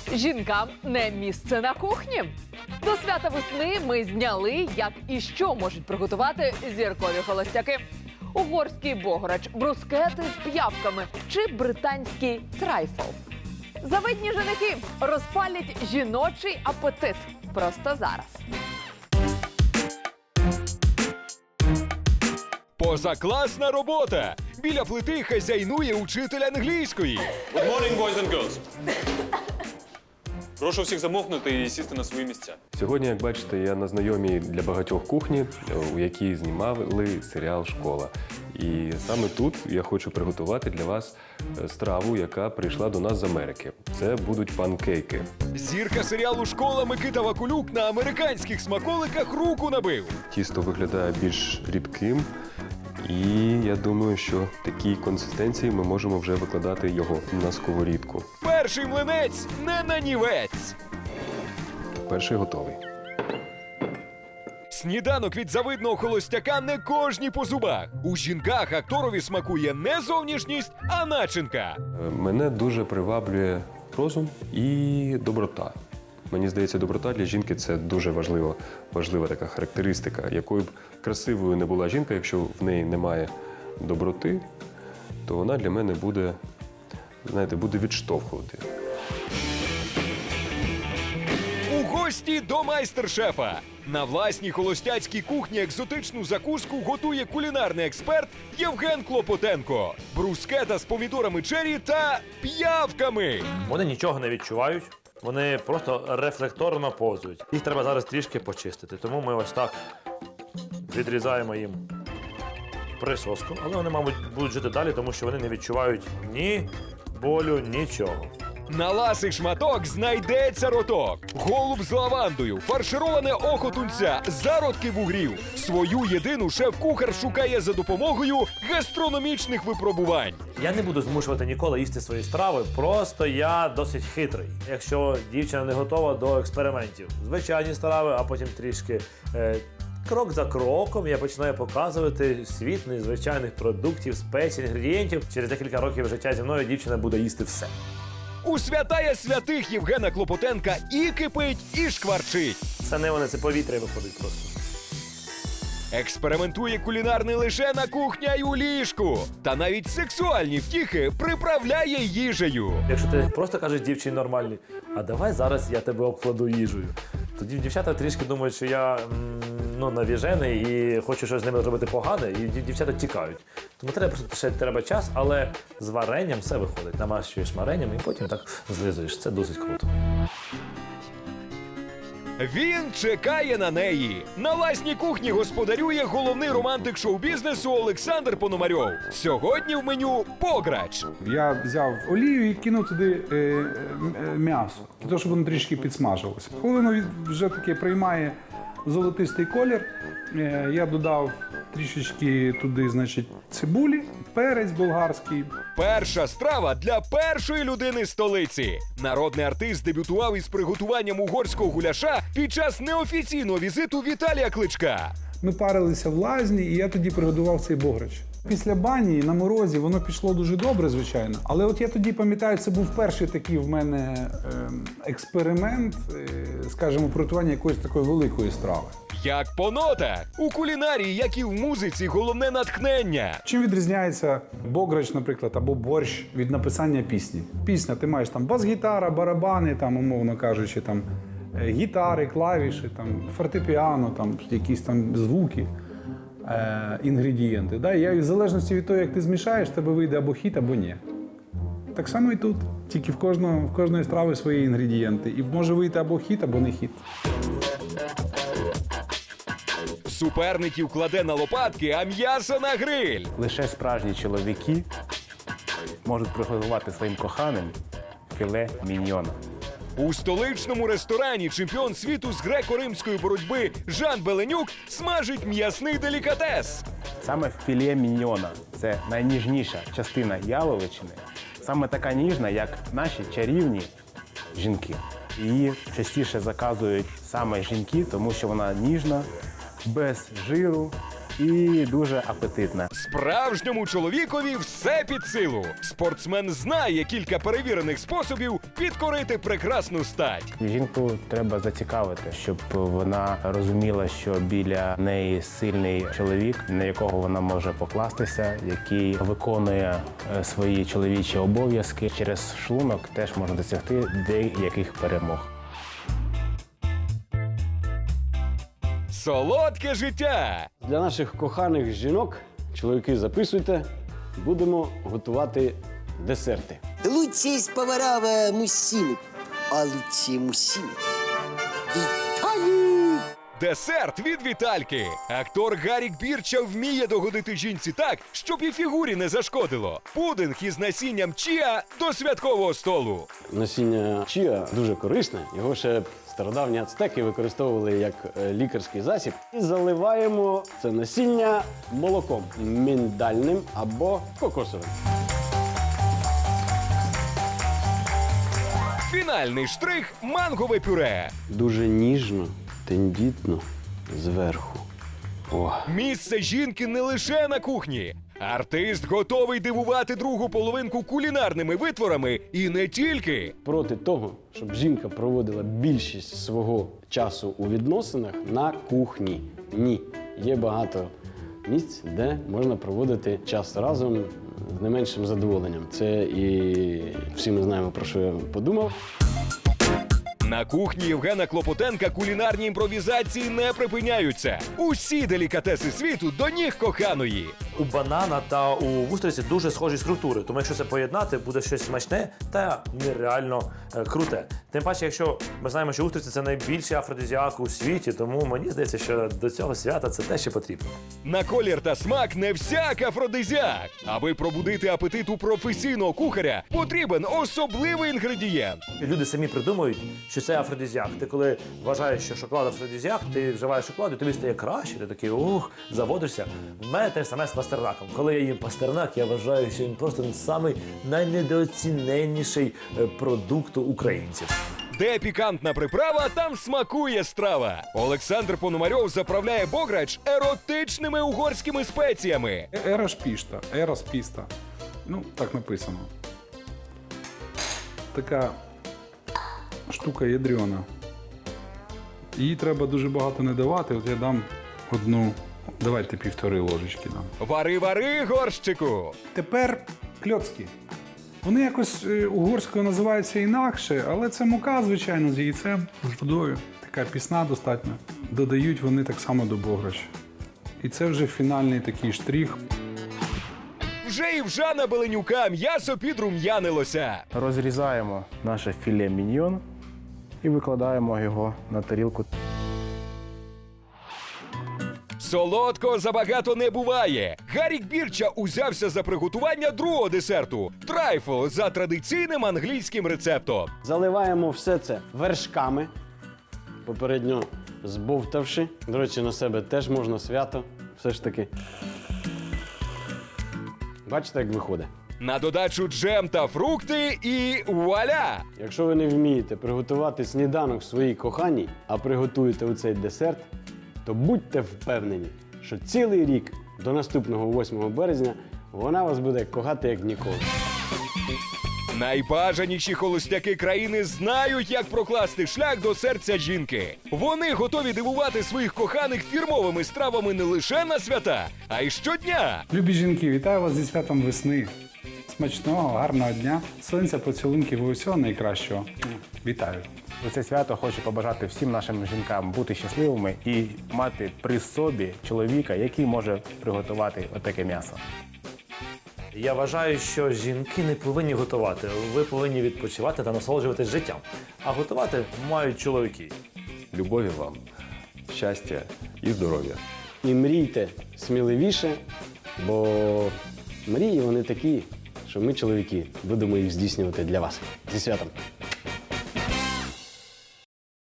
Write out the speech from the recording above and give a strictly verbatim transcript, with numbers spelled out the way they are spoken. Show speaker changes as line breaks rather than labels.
Жінкам не місце на кухні. До свята весни ми зняли, як і що можуть приготувати зіркові холостяки. Угорський бограч, брускети з п'явками чи британський трайфл. Завидні женихи розпалять жіночий апетит. Просто зараз.
Позакласна робота! Біля плити хазяйнує учитель англійської.
Good morning, boys and girls. Прошу всіх замовкнути і сісти на свої місця.
Сьогодні, як бачите, я на знайомій для багатьох кухні, у якій знімали серіал «Школа». І саме тут я хочу приготувати для вас страву, яка прийшла до нас з Америки. Це будуть панкейки.
Зірка серіалу «Школа» Микита Вакулюк на американських смаколиках руку набив.
Тісто виглядає більш рідким. І я думаю, що в такій консистенції ми можемо вже викладати його на сковорідку.
Перший млинець не нанівець.
Перший готовий.
Сніданок від завидного холостяка не кожній по зубах. У жінках акторові смакує не зовнішність, а начинка.
Мене дуже приваблює розум і доброта. Мені здається, доброта для жінки – це дуже важлива, важлива така характеристика. Якою б красивою не була жінка, якщо в неї немає доброти, то вона для мене буде, знаєте, буде відштовхувати.
У гості до майстер-шефа. На власній холостяцькій кухні екзотичну закуску готує кулінарний експерт Євген Клопотенко. Брускета з помідорами чері та п'явками.
Вони нічого не відчувають, вони просто рефлекторно повзують. Їх треба зараз трішки почистити, тому ми ось так відрізаємо їм присоску. Але вони, мабуть, будуть жити далі, тому що вони не відчувають ні болю, нічого.
На ласий шматок знайдеться роток. Голуб з лавандою, фаршироване око тунця, зародки вугрів. Свою єдину шеф-кухар шукає за допомогою гастрономічних випробувань.
Я не буду змушувати ніколи їсти свої страви, просто я досить хитрий. Якщо дівчина не готова до експериментів, звичайні страви, а потім трішки е, крок за кроком я починаю показувати світ незвичайних продуктів, спецій, інгредієнтів. Через декілька років життя зі мною дівчина буде їсти все.
У святая святих Євгена Клопотенка і кипить, і шкварчить.
Це не вони, це повітря виходить просто.
Експериментує кулінар не лише на кухні, а й у ліжку. Та навіть сексуальні втіхи приправляє їжею.
Якщо ти просто кажеш дівчині нормальній, а давай зараз я тебе обкладу їжею. Тоді дівчата трішки думають, що я м, ну, навіжений і хочу щось з ними зробити погане, і дівчата тікають. Тому треба просто ще треба час, але з варенням все виходить. Намащуєш варенням і потім так злизуєш. Це досить круто.
Він чекає на неї. На власній кухні господарює головний романтик шоу-бізнесу Олександр Пономарьов. Сьогодні в меню бограч.
Я взяв олію і кинув туди е, е, м'ясо, для того, щоб воно трішки підсмажилося. Коли воно від- вже таки приймає золотистий колір, е, я додав трішечки туди, значить, цибулі, перець болгарський.
Перша страва для першої людини столиці. Народний артист дебютував із приготуванням угорського гуляша під час неофіційного візиту Віталія Кличка.
Ми парилися в лазні, і я тоді приготував цей бограч. Після бані на морозі воно пішло дуже добре, звичайно. Але от я тоді пам'ятаю, це був перший такий в мене ем, експеримент, е, скажімо, приготування якоїсь такої великої страви.
Як по нотах. У кулінарії, як і в музиці, головне натхнення.
Чим відрізняється бограч, наприклад, або борщ від написання пісні? Пісня, ти маєш там бас-гітара, барабани, там, умовно кажучи, там, е, гітари, клавіші, там, фортепіано, там, якісь там звуки, е, інгредієнти. Да? І в залежності від того, як ти змішаєш, в тебе вийде або хіт, або ні. Так само і тут. Тільки в кожного, в кожної страви свої інгредієнти. І може вийти або хіт, або не хіт.
Суперників кладе на лопатки, а м'ясо на гриль.
Лише справжні чоловіки можуть приготувати своїм коханим філе міньйона.
У столичному ресторані чемпіон світу з греко-римської боротьби Жан Беленюк смажить м'ясний делікатес.
Саме філе міньйона – це найніжніша частина яловичини. Саме така ніжна, як наші чарівні жінки. Її частіше заказують саме жінки, тому що вона ніжна, без жиру і дуже апетитна.
Справжньому чоловікові все під силу. Спортсмен знає кілька перевірених способів підкорити прекрасну стать.
Жінку треба зацікавити, щоб вона розуміла, що біля неї сильний чоловік, на якого вона може покластися, який виконує е, свої чоловічі обов'язки. Через шлунок теж можна досягти деяких перемог.
Солодке життя!
Для наших коханих жінок, чоловіки, записуйте, будемо готувати десерти.
Лучшие из поваров э, мужчины, а лучшие мужчины – Виталий.
Десерт від Вітальки. Актор Гарік Бірча вміє догодити жінці так, щоб і фігурі не зашкодило. Пудинг із насінням чіа до святкового столу.
Насіння чіа дуже корисне, його ще стародавні ацтеки використовували як е, лікарський засіб. І заливаємо це насіння молоком міндальним або кокосовим.
Фінальний штрих – мангове пюре.
Дуже ніжно, тендітно, зверху. О.
Місце жінки не лише на кухні. Артист готовий дивувати другу половинку кулінарними витворами і не тільки.
Проти того, щоб жінка проводила більшість свого часу у відносинах на кухні. Ні. Є багато місць, де можна проводити час разом з не меншим задоволенням. Це і всі ми знаємо, про що я подумав.
На кухні Євгена Клопотенка кулінарні імпровізації не припиняються. Усі делікатеси світу до ніг коханої.
У банана та у вустриці дуже схожі структури, тому якщо це поєднати, буде щось смачне та нереально е, круте. Тим паче, якщо ми знаємо, що устриці – це найбільший афродизіак у світі, тому мені здається, що до цього свята це те, що потрібно.
На колір та смак не всяк афродизіак. Аби пробудити апетит у професійного кухаря, потрібен особливий інгредієнт.
Люди самі придумують, що це афродизіак. Ти коли вважаєш, що шоколад афродизіак, ти вживаєш шоколад, і тобі стає краще, ти такий ух, заводишся. В мене те саме з пастернаком. Коли я їм пастернак, я вважаю, що він просто самий найнедооціненніший е, продукт українців.
Де пікантна приправа, там смакує страва. Олександр Пономарьов заправляє бограч еротичними угорськими спеціями.
Ераш пішта, ерас піста. Ну, так написано. Така штука ядрена. Її треба дуже багато не давати. От я дам одну, давайте півтори ложечки дам.
Вари-вари, горщику!
Тепер кльоцки. Вони якось е, угорською називаються інакше, але це мука, звичайно, з яйцем, з водою. Така пісна достатньо. Додають вони так само до бограча. І це вже фінальний такий штрих.
Вже і в Жана Беленюка м'ясо підрум'янилося.
Розрізаємо наше філе міньйон і викладаємо його на тарілку.
Солодкого забагато не буває. Гарік Бірча узявся за приготування другого десерту – трайфл за традиційним англійським рецептом.
Заливаємо все це вершками, попередньо збовтавши. До речі, на себе теж можна свято, все ж таки. Бачите, як виходить?
На додачу джем та фрукти і вуаля!
Якщо ви не вмієте приготувати сніданок своїй коханій, а приготуєте оцей десерт, то будьте впевнені, що цілий рік до наступного восьмого березня вона вас буде кохати як ніколи.
Найбажаніші холостяки країни знають, як прокласти шлях до серця жінки. Вони готові дивувати своїх коханих фірмовими стравами не лише на свята, а й щодня.
Любі жінки, вітаю вас зі святом весни. Смачного, гарного дня. Сонця, поцілунків і усього найкращого. Вітаю.
У це свято хочу побажати всім нашим жінкам бути щасливими і мати при собі чоловіка, який може приготувати отаке м'ясо.
Я вважаю, що жінки не повинні готувати. Ви повинні відпочивати та насолоджуватись життям. А готувати мають чоловіки.
Любові вам, щастя і здоров'я.
І мрійте сміливіше, бо мрії вони такі, що ми, чоловіки, будемо їх здійснювати для вас. Зі святом!